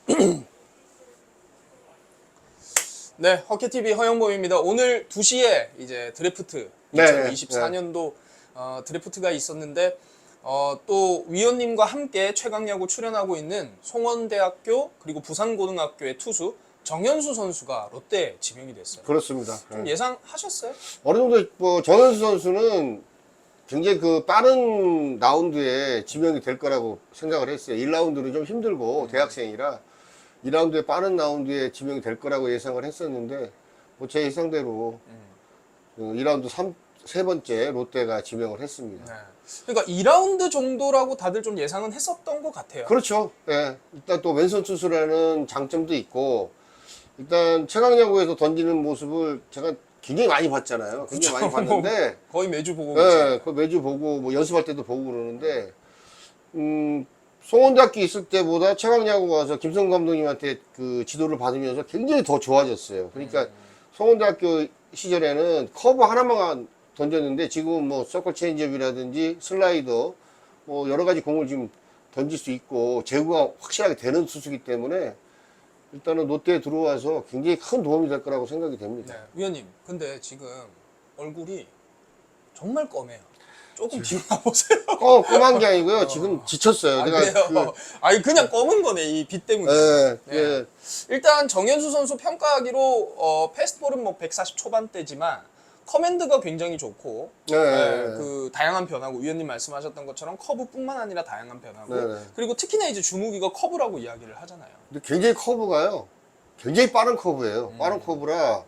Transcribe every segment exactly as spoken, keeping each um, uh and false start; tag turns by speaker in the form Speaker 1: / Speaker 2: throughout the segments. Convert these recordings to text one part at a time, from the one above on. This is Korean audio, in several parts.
Speaker 1: 네, 허켓티비 허영범입니다. 오늘 두 시에 이제 드래프트
Speaker 2: 네,
Speaker 1: 이천이십사 년도 어, 드래프트가 있었는데 어, 또 위원님과 함께 최강야구 출연하고 있는 송원대학교 그리고 부산고등학교의 투수 정현수 선수가 롯데에 지명이 됐어요.
Speaker 2: 그렇습니다.
Speaker 1: 좀
Speaker 2: 네.
Speaker 1: 예상하셨어요?
Speaker 2: 어느 정도 뭐 정현수 선수는 굉장히 그 빠른 라운드에 지명이 될 거라고 생각을 했어요. 일 라운드는 좀 힘들고
Speaker 1: 음.
Speaker 2: 대학생이라 이 라운드에 빠른 라운드에 지명이 될 거라고 예상을 했었는데 뭐 제 예상대로
Speaker 1: 음.
Speaker 2: 이 라운드 삼, 세 번째 롯데가 지명을 했습니다.
Speaker 1: 네. 그러니까 이 라운드 정도라고 다들 좀 예상은 했었던 것 같아요.
Speaker 2: 그렇죠. 예. 일단 또 왼손 투수라는 장점도 있고 일단 최강야구에서 던지는 모습을 제가 굉장히 많이 봤잖아요. 굉장히 많이 봤는데
Speaker 1: 거의 매주 보고
Speaker 2: 예,
Speaker 1: 계시죠.
Speaker 2: 그 매주 보고 뭐 연습할 때도 보고 그러는데 음, 송원대학교 있을 때보다 최강야구 가서 김성 감독님한테 그 지도를 받으면서 굉장히 더 좋아졌어요. 그러니까
Speaker 1: 음.
Speaker 2: 송원대학교 시절에는 커브 하나만 던졌는데 지금은 뭐 서클 체인지업이라든지 슬라이더 뭐 여러 가지 공을 지금 던질 수 있고 제구가 확실하게 되는 투수기 때문에 일단은 롯데에 들어와서 굉장히 큰 도움이 될 거라고 생각이 됩니다.
Speaker 1: 네, 위원님, 근데 지금 얼굴이 정말 검해요. 조금 뒤로 나보세요.
Speaker 2: 어, 검한 게 아니고요. 지금 지쳤어요.
Speaker 1: 아,
Speaker 2: 내가
Speaker 1: 그래요? 아니, 그냥 검은 거네, 이 빛 때문에.
Speaker 2: 예,
Speaker 1: 네.
Speaker 2: 예.
Speaker 1: 일단 정현수 선수 평가하기로 어, 패스트볼은 뭐 백사십 초반대지만 커맨드가 굉장히 좋고
Speaker 2: 네,
Speaker 1: 네,
Speaker 2: 네.
Speaker 1: 그 다양한 변화고 위원님 말씀하셨던 것처럼 커브뿐만 아니라 다양한 변화고
Speaker 2: 네, 네.
Speaker 1: 그리고 특히나 이제 주무기가 커브라고 이야기를 하잖아요.
Speaker 2: 근데 굉장히 커브가요. 굉장히 빠른 커브예요.
Speaker 1: 음.
Speaker 2: 빠른 커브라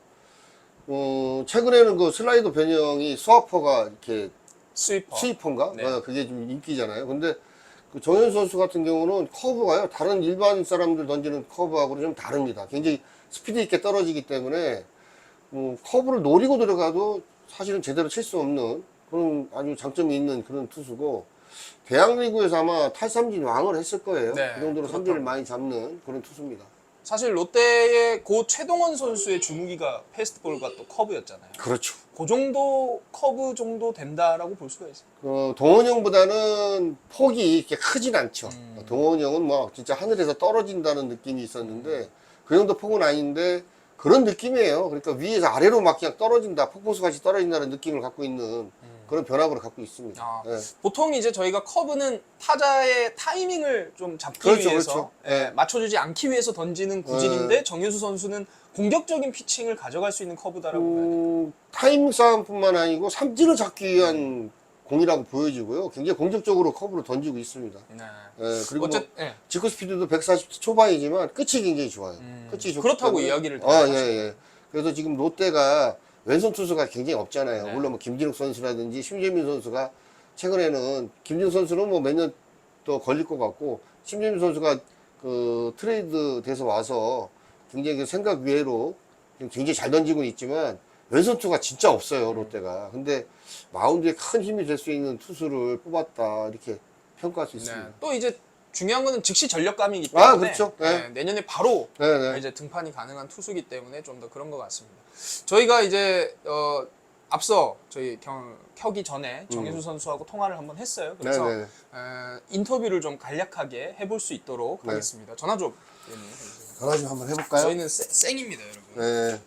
Speaker 2: 어, 최근에는 그 슬라이더 변형이 스와퍼가 이렇게
Speaker 1: 스위퍼.
Speaker 2: 스위퍼인가?
Speaker 1: 네.
Speaker 2: 어, 그게 좀 인기잖아요. 근데 그 정현수 선수 같은 경우는 커브가요. 다른 일반 사람들 던지는 커브하고는 좀 다릅니다. 굉장히 스피드 있게 떨어지기 때문에 음, 커브를 노리고 들어가도 사실은 제대로 칠 수 없는 그런 아주 장점이 있는 그런 투수고 대학리그에서 아마 탈삼진 왕을 했을 거예요.
Speaker 1: 네,
Speaker 2: 그 정도로
Speaker 1: 그렇다고.
Speaker 2: 삼진을 많이 잡는 그런 투수입니다.
Speaker 1: 사실 롯데의 고 최동원 선수의 주무기가 패스트볼과 또 커브였잖아요.
Speaker 2: 그렇죠.
Speaker 1: 그 정도 커브 정도 된다라고 볼 수가 있어요.
Speaker 2: 어, 동원이 형보다는 폭이 이렇게 크진 않죠.
Speaker 1: 음.
Speaker 2: 동원이 형은 뭐 진짜 하늘에서 떨어진다는 느낌이 있었는데 그 정도 폭은 아닌데 그런 느낌이에요. 그러니까 위에서 아래로 막 그냥 떨어진다, 폭포수 같이 떨어진다는 느낌을 갖고 있는 그런 변화구를 갖고 있습니다.
Speaker 1: 아,
Speaker 2: 예.
Speaker 1: 보통 이제 저희가 커브는 타자의 타이밍을 좀 잡기
Speaker 2: 그렇죠,
Speaker 1: 위해서
Speaker 2: 그렇죠.
Speaker 1: 예,
Speaker 2: 네.
Speaker 1: 맞춰주지 않기 위해서 던지는 구질인데 정현수 선수는 공격적인 피칭을 가져갈 수 있는 커브다라고 봐야 돼요.
Speaker 2: 음, 타이밍 싸움뿐만 아니고 삼진을 잡기 위한 공이라고 보여지고요. 굉장히 공격적으로 커브를 던지고 있습니다.
Speaker 1: 네.
Speaker 2: 예, 그리고
Speaker 1: 어쨌,
Speaker 2: 뭐
Speaker 1: 예.
Speaker 2: 직구 스피드도 백사십 초반이지만 끝이 굉장히 좋아요.
Speaker 1: 음,
Speaker 2: 끝이 좋기
Speaker 1: 그렇다고
Speaker 2: 때문에.
Speaker 1: 이야기를
Speaker 2: 아,
Speaker 1: 다들
Speaker 2: 예,
Speaker 1: 하시죠.
Speaker 2: 예. 그래서 지금 롯데가 왼손 투수가 굉장히 없잖아요.
Speaker 1: 네.
Speaker 2: 물론 뭐 김진욱 선수라든지 심재민 선수가 최근에는 김진욱 선수는 뭐 몇 년 또 걸릴 것 같고 심재민 선수가 그 트레이드 돼서 와서 굉장히 그 생각 외로 굉장히 잘 던지고 있지만 왼손 투가 진짜 없어요, 롯데가. 근데 마운드에 큰 힘이 될 수 있는 투수를 뽑았다 이렇게 평가할 수 있습니다.
Speaker 1: 네. 또 이제 중요한 거는 즉시 전력감이기 때문에
Speaker 2: 아, 그렇죠. 네.
Speaker 1: 네, 내년에 바로
Speaker 2: 네, 네.
Speaker 1: 이제 등판이 가능한 투수기 때문에 좀 더 그런 것 같습니다. 저희가 이제 어, 앞서 저희 경, 켜기 전에 정현수 선수하고 통화를 한번 했어요. 그래서
Speaker 2: 음. 네, 네.
Speaker 1: 에, 인터뷰를 좀 간략하게 해볼 수 있도록
Speaker 2: 네.
Speaker 1: 하겠습니다. 전화 좀. 위원님 해주세요.
Speaker 2: 전화 좀 한번 해볼까요?
Speaker 1: 저희는 쌩- 쌩입니다, 여러분.
Speaker 2: 네.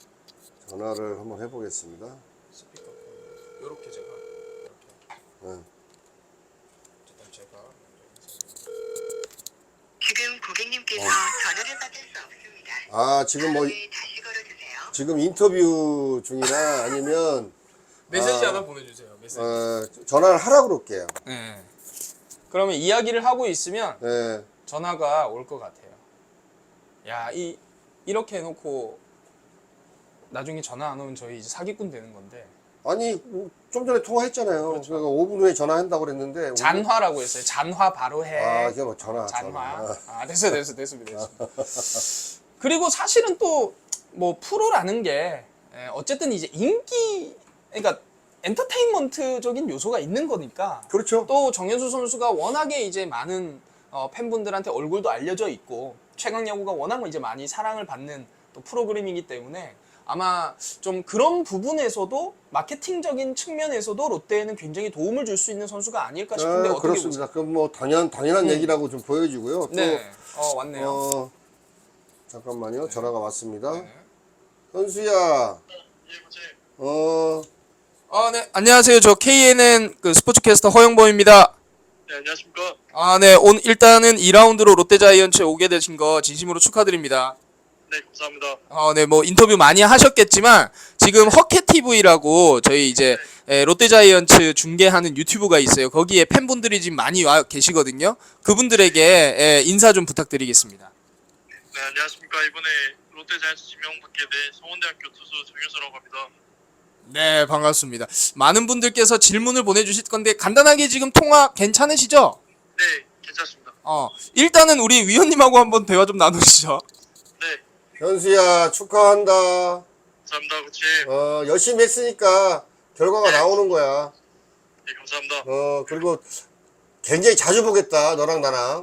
Speaker 2: 전화를 한번 해보겠습니다.
Speaker 1: 스피커 이렇게 제가 이렇게
Speaker 2: 네.
Speaker 1: 어쨌든 제가
Speaker 3: 지금 고객님께서 전화를 받을 수 없습니다.
Speaker 2: 아, 지금 뭐,
Speaker 3: 다음에 다시 걸어주세요.
Speaker 2: 지금 인터뷰 중이라 아니면,
Speaker 1: 메시지
Speaker 2: 아,
Speaker 1: 하나 보내주세요. 메시지.
Speaker 2: 어, 전화를 하라고 그럴게요.
Speaker 1: 네. 그러면 이야기를 하고 있으면
Speaker 2: 네.
Speaker 1: 전화가 올 것 같아요. 야, 이 이렇게 해놓고 나중에 전화 안 오면 저희 이제 사기꾼 되는 건데
Speaker 2: 아니, 좀 전에 통화했잖아요.
Speaker 1: 그렇죠.
Speaker 2: 그러니까 오 분 후에 전화한다고 그랬는데.
Speaker 1: 잔화라고 했어요. 잔화 바로 해.
Speaker 2: 아, 이게 뭐 전화.
Speaker 1: 잔화.
Speaker 2: 전화.
Speaker 1: 아, 됐어요, 됐어, 됐습니다, 됐습니다. 그리고 사실은 또 뭐 프로라는 게 에, 어쨌든 이제 인기, 그러니까 엔터테인먼트적인 요소가 있는 거니까.
Speaker 2: 그렇죠.
Speaker 1: 또 정현수 선수가 워낙에 이제 많은 어, 팬분들한테 얼굴도 알려져 있고 최강야구가 워낙 이제 많이 사랑을 받는 또 프로그램이기 때문에 아마 좀 그런 부분에서도 마케팅적인 측면에서도 롯데에는 굉장히 도움을 줄 수 있는 선수가 아닐까 싶은데
Speaker 2: 아,
Speaker 1: 어떻게
Speaker 2: 그렇습니다.
Speaker 1: 보세요?
Speaker 2: 그럼 뭐 당연, 당연한
Speaker 1: 음.
Speaker 2: 얘기라고 좀 보여지고요. 또,
Speaker 1: 네, 어 왔네요.
Speaker 2: 어, 잠깐만요. 전화가 왔습니다.
Speaker 1: 네.
Speaker 2: 현수야,
Speaker 3: 예, 보세요.
Speaker 2: 어,
Speaker 1: 아, 네. 안녕하세요. 저 케이엔엔 그 스포츠캐스터 허영범입니다.
Speaker 3: 네, 안녕하십니까.
Speaker 1: 아, 네. 오늘 일단은 이 라운드로 롯데자이언츠에 오게 되신 거 진심으로 축하드립니다.
Speaker 3: 네, 감사합니다.
Speaker 1: 어, 네. 뭐 인터뷰 많이 하셨겠지만 지금 허켓티브이라고 저희 이제 에, 롯데자이언츠 중계하는 유튜브가 있어요. 거기에 팬분들이 지금 많이 와 계시거든요. 그분들에게 에, 인사 좀 부탁드리겠습니다.
Speaker 3: 네, 안녕하십니까. 이번에 롯데자이언츠 지명받게 된 성원대학교 투수 정효수라고 합니다.
Speaker 1: 네, 반갑습니다. 많은 분들께서 질문을 보내주실 건데 간단하게 지금 통화 괜찮으시죠?
Speaker 3: 네, 괜찮습니다.
Speaker 1: 어, 일단은 우리 위원님하고 한번 대화 좀 나누시죠.
Speaker 3: 네,
Speaker 2: 현수야, 축하한다.
Speaker 3: 감사합니다, 코치.
Speaker 2: 어, 열심히 했으니까 결과가 나오는 거야.
Speaker 3: 네, 감사합니다.
Speaker 2: 어, 그리고 굉장히 자주 보겠다, 너랑 나랑.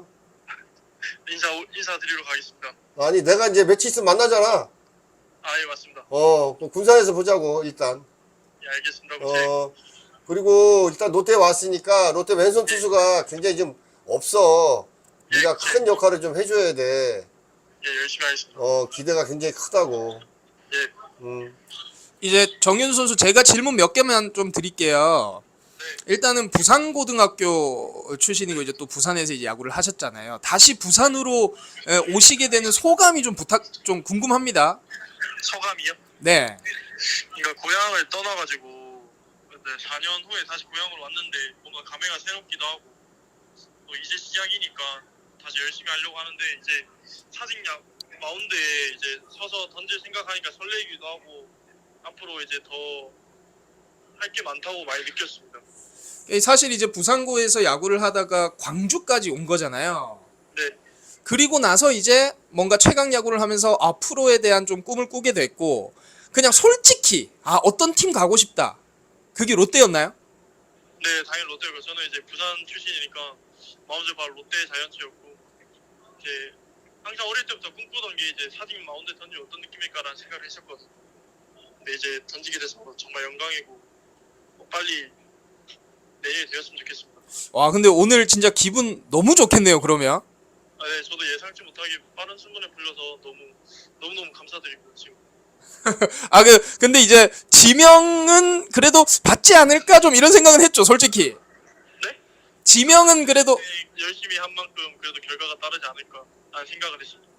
Speaker 3: 인사, 인사드리러 가겠습니다.
Speaker 2: 아니, 내가 이제 며칠 있으면 만나잖아.
Speaker 3: 아, 예, 맞습니다.
Speaker 2: 어, 그 군산에서 보자고, 일단.
Speaker 3: 예, 알겠습니다, 코치.
Speaker 2: 어, 그리고 일단 롯데에 왔으니까 롯데 왼손 투수가 굉장히 좀 없어. 네가 큰 역할을 좀 해줘야 돼.
Speaker 3: 예, 열심히 하겠습니다.
Speaker 2: 어, 기대가 굉장히 크다고.
Speaker 3: 예,
Speaker 2: 음.
Speaker 1: 이제 정윤수 선수 제가 질문 몇 개만 좀 드릴게요.
Speaker 3: 네.
Speaker 1: 일단은 부산고등학교 출신이고 이제 또 부산에서 이제 야구를 하셨잖아요. 다시 부산으로 에, 오시게 되는 소감이 좀 부탁 좀 궁금합니다.
Speaker 3: 소감이요?
Speaker 1: 네.
Speaker 3: 그러니까 고향을 떠나가지고 근데 사 년 후에 다시 고향으로 왔는데 뭔가 감회가 새롭기도 하고 또 이제 시작이니까 다시 열심히 하려고 하는데 이제 사직야 마운드에 이제 서서 던질 생각하니까 설레기도 하고 앞으로 이제 더 할 게 많다고 많이 느꼈습니다.
Speaker 1: 사실 이제 부산고에서 야구를 하다가 광주까지 온 거잖아요.
Speaker 3: 네,
Speaker 1: 그리고 나서 이제 뭔가 최강 야구를 하면서 아 프로에 대한 좀 꿈을 꾸게 됐고 그냥 솔직히 아 어떤 팀 가고 싶다. 그게 롯데였나요?
Speaker 3: 네 당연히 롯데고 저는 이제 부산 출신이니까 마운드 바로 롯데 자이언츠였고 이제 항상 어릴 때부터 꿈꾸던 게 이제 사직 마운드 던지면 어떤 느낌일까라는 생각을 했었거든요. 근데 이제 던지게 돼서 정말 영광이고 빨리 내년이 되었으면 좋겠습니다.
Speaker 1: 와 근데 오늘 진짜 기분 너무 좋겠네요. 그러면
Speaker 3: 아, 네, 저도 예상치 못하게 빠른 순간에 불려서 너무 너무 너무 감사드리고 지금.
Speaker 1: 아 그 근데 이제 지명은 그래도 받지 않을까 좀 이런 생각은 했죠. 솔직히
Speaker 3: 네?
Speaker 1: 지명은 그래도
Speaker 3: 네, 열심히 한 만큼 그래도 결과가 따르지 않을까라는 생각을 했습니다.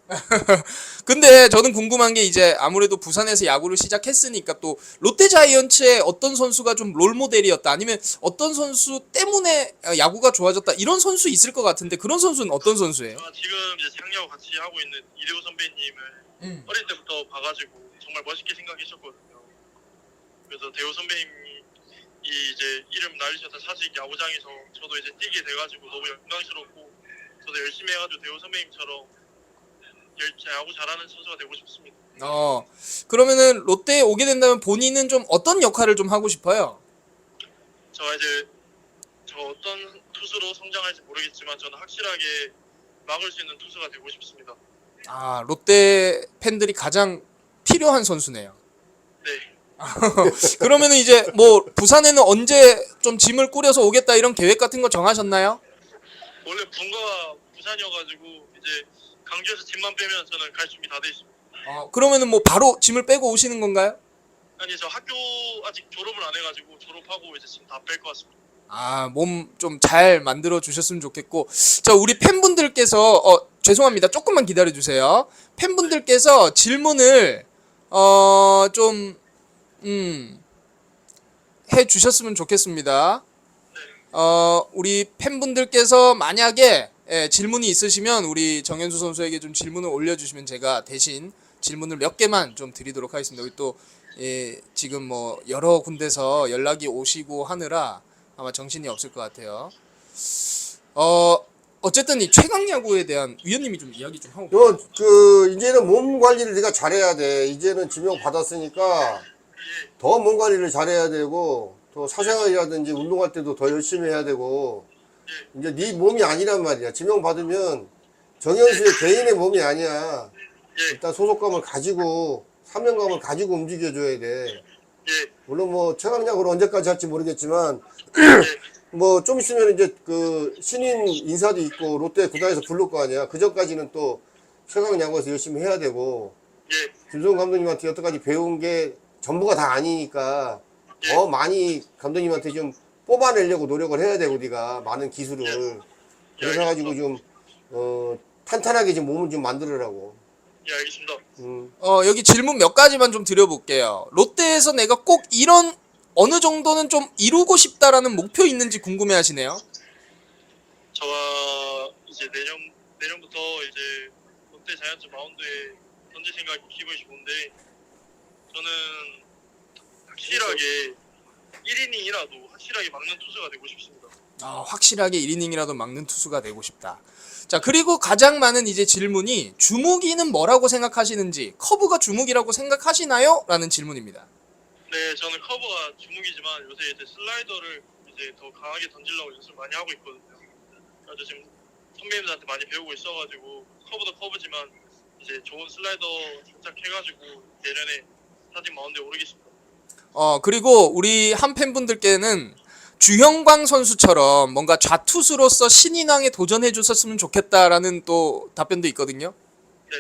Speaker 1: 근데 저는 궁금한 게 이제 아무래도 부산에서 야구를 시작했으니까 또 롯데자이언츠의 어떤 선수가 좀 롤모델이었다 아니면 어떤 선수 때문에 야구가 좋아졌다 이런 선수 있을 것 같은데 그런 선수는 어떤 선수예요?
Speaker 3: 제가 지금 이제 창야와 같이 하고 있는 이대호 선배님을
Speaker 1: 음.
Speaker 3: 어릴 때부터 봐가지고 정말 멋있게 생각했었거든요. 그래서 대호 선배님이 이 이제 이름 날리셨던 사직 야구장에서 저도 이제 뛰게 돼가지고 너무 영광스럽고 저도 열심히 해가지고 대호 선배님처럼 열- 야구 잘하는 선수가 되고 싶습니다.
Speaker 1: 어 그러면은 롯데에 오게 된다면 본인은 좀 어떤 역할을 좀 하고 싶어요?
Speaker 3: 제가 이제 저 어떤 투수로 성장할지 모르겠지만 저는 확실하게 막을 수 있는 투수가 되고 싶습니다.
Speaker 1: 아 롯데 팬들이 가장 필요한 선수네요.
Speaker 3: 네.
Speaker 1: 그러면은 이제 뭐 부산에는 언제 좀 짐을 꾸려서 오겠다 이런 계획 같은 거 정하셨나요?
Speaker 3: 원래 분가가 부산이어가지고 이제 강주에서 짐만 빼면 저는 갈 준비 다 돼 있습니다.
Speaker 1: 어 그러면은 뭐 바로 짐을 빼고 오시는 건가요?
Speaker 3: 아니 저 학교 아직 졸업을 안 해가지고 졸업하고 이제 짐 다 뺄 것 같습니다.
Speaker 1: 아, 몸 좀 잘 만들어 주셨으면 좋겠고. 자, 우리 팬분들께서 어, 죄송합니다. 조금만 기다려 주세요. 팬분들께서 질문을 어, 좀 음, 해 주셨으면 좋겠습니다. 어, 우리 팬분들께서 만약에 예, 질문이 있으시면 우리 정현수 선수에게 좀 질문을 올려 주시면 제가 대신 질문을 몇 개만 좀 드리도록 하겠습니다. 여기 또 예, 지금 뭐 여러 군데서 연락이 오시고 하느라 아마 정신이 없을 것 같아요. 어 어쨌든 이 최강 야구에 대한 위원님이 좀 이야기 좀 하고.
Speaker 2: 요, 그, 이제는 몸 관리를 네가 잘해야 돼. 이제는 지명 받았으니까 더 몸 관리를 잘해야 되고, 또 사생활이라든지 운동할 때도 더 열심히 해야 되고, 이제 네 몸이 아니란 말이야. 지명 받으면 정현수의 개인의 몸이 아니야.
Speaker 3: 예,
Speaker 2: 일단 소속감을 가지고, 사명감을 가지고 움직여줘야 돼.
Speaker 3: 예,
Speaker 2: 물론 뭐 최강야구를 언제까지 할지 모르겠지만,
Speaker 3: 예,
Speaker 2: 뭐 좀 있으면 이제 그 신인 인사도 있고 롯데 구단에서 부를 거 아니야. 그 전까지는 또 최강 야구에서 열심히 해야 되고
Speaker 3: 예,
Speaker 2: 김성훈 감독님한테 여태까지 배운 게 전부가 다 아니니까
Speaker 3: 예.
Speaker 2: 더 많이 감독님한테 좀 뽑아내려고 노력을 해야 되고 네가 많은 기술을 그래서 가지고 좀 어, 탄탄하게 좀 몸을 좀 만들으라고.
Speaker 3: 예, 알겠습니다.
Speaker 2: 음.
Speaker 1: 어, 여기 질문 몇 가지만 좀 드려볼게요. 롯데에서 내가 꼭 이런 어느 정도는 좀 이루고 싶다라는 목표 있는지 궁금해하시네요.
Speaker 3: 저가 이제 내년 내년부터 이제 롯데 자이언츠 마운드에 던질 생각이 기분이 좋은데 저는 확실하게 일 이닝이라도 확실하게 막는 투수가 되고 싶습니다.
Speaker 1: 아, 확실하게 일 이닝이라도 막는 투수가 되고 싶다. 자, 그리고 가장 많은 이제 질문이 주무기는 뭐라고 생각하시는지, 커브가 주무기라고 생각하시나요? 라는 질문입니다.
Speaker 3: 네, 저는 커버가 주목이지만 요새 이제 슬라이더를 이제 더 강하게 던지려고 연습 많이 하고 있거든요. 그래서 지금 선배님들한테 많이 배우고 있어가지고 커브도 커브지만 이제 좋은 슬라이더 장착해가지고 내년에 사진 마운드에 오르겠습니다.
Speaker 1: 어, 그리고 우리 한 팬분들께는 주형광 선수처럼 뭔가 좌투수로서 신인왕에 도전해 주셨으면 좋겠다라는 또 답변도 있거든요.
Speaker 3: 네,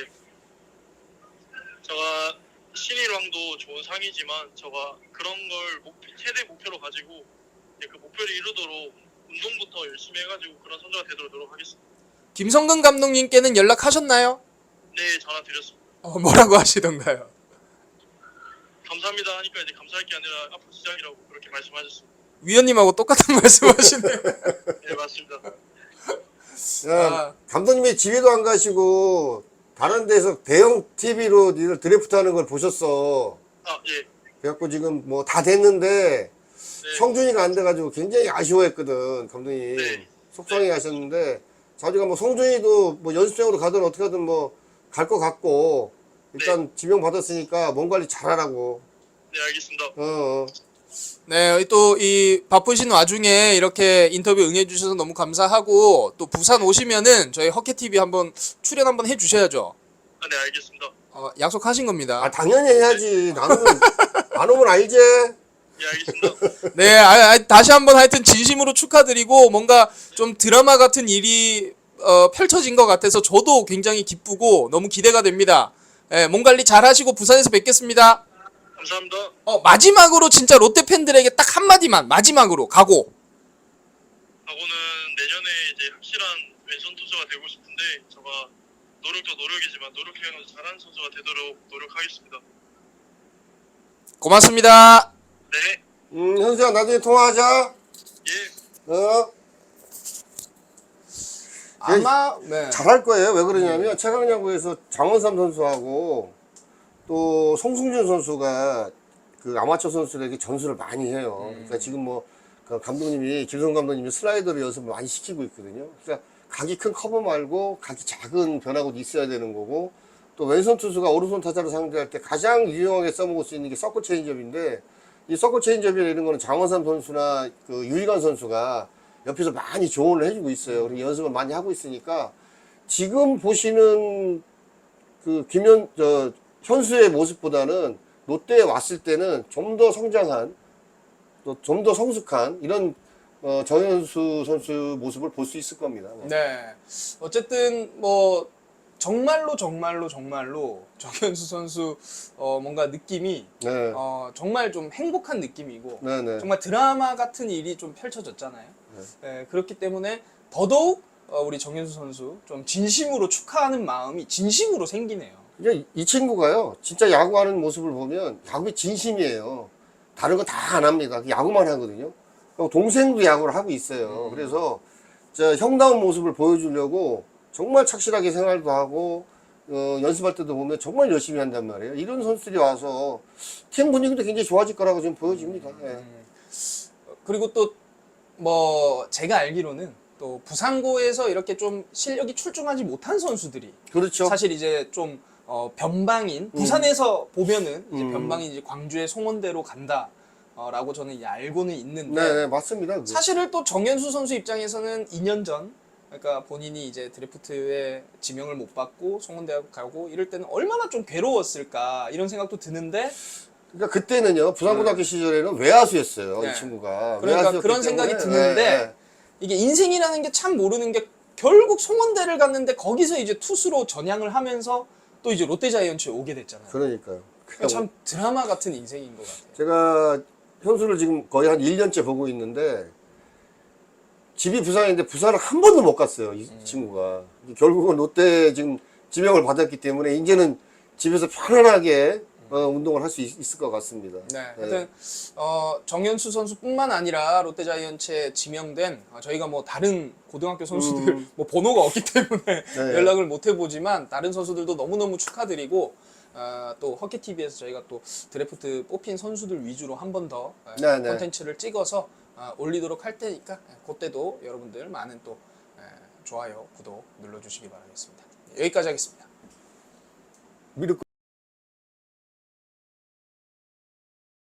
Speaker 3: 제가 신일왕도 좋은 상이지만 제가 그런 걸 목표, 최대 목표로 가지고 이제 그 목표를 이루도록 운동부터 열심히 해가지고 그런 선수가 되도록 노력하겠습니다.
Speaker 1: 김성근 감독님께는 연락하셨나요?
Speaker 3: 네, 전화 드렸습니다.
Speaker 1: 어, 뭐라고 하시던가요?
Speaker 3: 감사합니다 하니까 이제 감사할 게 아니라 앞으로 시작이라고 그렇게 말씀하셨습니다.
Speaker 1: 위원님하고 똑같은 말씀하시네요.
Speaker 3: 네, 맞습니다.
Speaker 2: 야,
Speaker 1: 아.
Speaker 2: 감독님이 집에도 안 가시고 다른 데서 대형 티비로 니들 드래프트 하는 걸 보셨어.
Speaker 3: 아, 예.
Speaker 2: 그래갖고 지금 뭐 다 됐는데
Speaker 3: 네.
Speaker 2: 성준이가 안 돼가지고 굉장히 아쉬워했거든 감독님.
Speaker 3: 네.
Speaker 2: 속상해 하셨는데 자주가 뭐 성준이도 뭐 연습생으로 가든 어떻게 하든 뭐 갈 것 같고 일단 지명 받았으니까 몸 관리 잘하라고.
Speaker 3: 네, 알겠습니다.
Speaker 2: 어, 어.
Speaker 1: 네, 또 이 바쁘신 와중에 이렇게 인터뷰 응해 주셔서 너무 감사하고 또 부산 오시면은 저희 허케티비 한번 출연 한번 해 주셔야죠.
Speaker 3: 아, 네, 알겠습니다.
Speaker 1: 어, 약속하신 겁니다.
Speaker 2: 아 당연히 해야지. 나는 안 오면 알지.
Speaker 3: 예, 알겠습니다.
Speaker 1: 네, 아, 아, 다시 한번 하여튼 진심으로 축하드리고 뭔가 좀 드라마 같은 일이 어, 펼쳐진 것 같아서 저도 굉장히 기쁘고 너무 기대가 됩니다. 예, 몸 관리 잘 하시고 부산에서 뵙겠습니다.
Speaker 3: 감사합니다.
Speaker 1: 어, 마지막으로 진짜 롯데 팬들에게 딱 한마디만 마지막으로 가고.
Speaker 3: 하고는 내년에 이제 확실한 왼손 투수가 되고 싶은데 제가 노력도 노력이지만 노력해서 잘하는 선수가 되도록 노력하겠습니다.
Speaker 1: 고맙습니다.
Speaker 3: 네,
Speaker 2: 음 현수야 나중에 통화하자.
Speaker 3: 예,
Speaker 2: 어.
Speaker 1: 아마 네.
Speaker 2: 잘할 거예요. 왜 그러냐면 최강야구에서 장원삼 선수하고 또 송승준 선수가 그 아마추어 선수들에게 전수를 많이 해요. 그러니까 지금 뭐 그 감독님이 김성 감독님이 슬라이더를 연습을 많이 시키고 있거든요. 그러니까 각이 큰 커버 말고 각이 작은 변화구도 있어야 되는 거고 또 왼손 투수가 오른손 타자를 상대할 때 가장 유용하게 써먹을 수 있는 게 서클 체인지업인데 이 서클 체인지업이나 이런 거는 장원삼 선수나 그 유희관 선수가 옆에서 많이 조언을 해주고 있어요. 그리고 연습을 많이 하고 있으니까 지금 보시는 그 김현, 저, 현수의 모습보다는 롯데에 왔을 때는 좀 더 성장한, 또 좀 더 성숙한 이런 어, 정현수 선수 모습을 볼 수 있을 겁니다. 네.
Speaker 1: 네. 어쨌든 뭐 정말로 정말로 정말로 정현수 선수 어 뭔가 느낌이
Speaker 2: 네.
Speaker 1: 어 정말 좀 행복한 느낌이고
Speaker 2: 네, 네.
Speaker 1: 정말 드라마 같은 일이 좀 펼쳐졌잖아요. 네, 그렇기 때문에 더더욱 어, 우리 정현수 선수 좀 진심으로 축하하는 마음이 진심으로 생기네요.
Speaker 2: 이제 이 친구가요, 진짜 야구하는 모습을 보면 야구에 진심이에요. 다른 거 다 안 합니다. 야구만 하거든요. 동생도 야구를 하고 있어요. 그래서 저 형다운 모습을 보여주려고 정말 착실하게 생활도 하고 어, 연습할 때도 보면 정말 열심히 한단 말이에요. 이런 선수들이 와서 팀 분위기도 굉장히 좋아질 거라고 지금 보여집니다. 예.
Speaker 1: 그리고 또 뭐 제가 알기로는 또 부산고에서 이렇게 좀 실력이 출중하지 못한 선수들이
Speaker 2: 그렇죠.
Speaker 1: 사실 이제 좀 어, 변방인 부산에서 보면은 이제
Speaker 2: 음.
Speaker 1: 변방인 이제 광주의 송원대로 간다. 어, 라고 저는 이제 알고는 있는데
Speaker 2: 네, 네, 맞습니다. 그게.
Speaker 1: 사실은 또 정현수 선수 입장에서는 이 년 전 그러니까 본인이 이제 드래프트에 지명을 못 받고 송원대학 가고 이럴 때는 얼마나 좀 괴로웠을까 이런 생각도 드는데
Speaker 2: 그러니까 그때는요 부산고등학교 시절에는 외야수였어요.
Speaker 1: 네.
Speaker 2: 이 친구가.
Speaker 1: 그러니까
Speaker 2: 외야수였기
Speaker 1: 그런 생각이
Speaker 2: 때문에,
Speaker 1: 드는데
Speaker 2: 네, 네.
Speaker 1: 이게 인생이라는 게 참 모르는 게 결국 송원대를 갔는데 거기서 이제 투수로 전향을 하면서 또 이제 롯데자이언츠에 오게 됐잖아요.
Speaker 2: 그러니까요.
Speaker 1: 참 드라마 같은 인생인 것 같아요.
Speaker 2: 제가 현수를 지금 거의 한 일 년째 보고 있는데 집이 부산인데 부산을 한 번도 못 갔어요. 이
Speaker 1: 음.
Speaker 2: 친구가. 결국은 롯데 지금 지명을 받았기 때문에 이제는 집에서 편안하게 어, 운동을 할 수 있을 것 같습니다.
Speaker 1: 네, 하여튼 어, 정현수 선수뿐만 아니라 롯데자이언츠에 지명된 어, 저희가 뭐 다른 고등학교 선수들
Speaker 2: 음.
Speaker 1: 뭐 번호가 없기 때문에
Speaker 2: 네.
Speaker 1: 연락을 못 해보지만 다른 선수들도 너무너무 축하드리고 어, 또 허키티비에서 저희가 또 드래프트 뽑힌 선수들 위주로 한 번 더
Speaker 2: 네, 네.
Speaker 1: 콘텐츠를 찍어서 어, 올리도록 할 테니까 그때도 여러분들 많은 또 에, 좋아요, 구독 눌러주시기 바라겠습니다. 여기까지 하겠습니다.
Speaker 2: 미르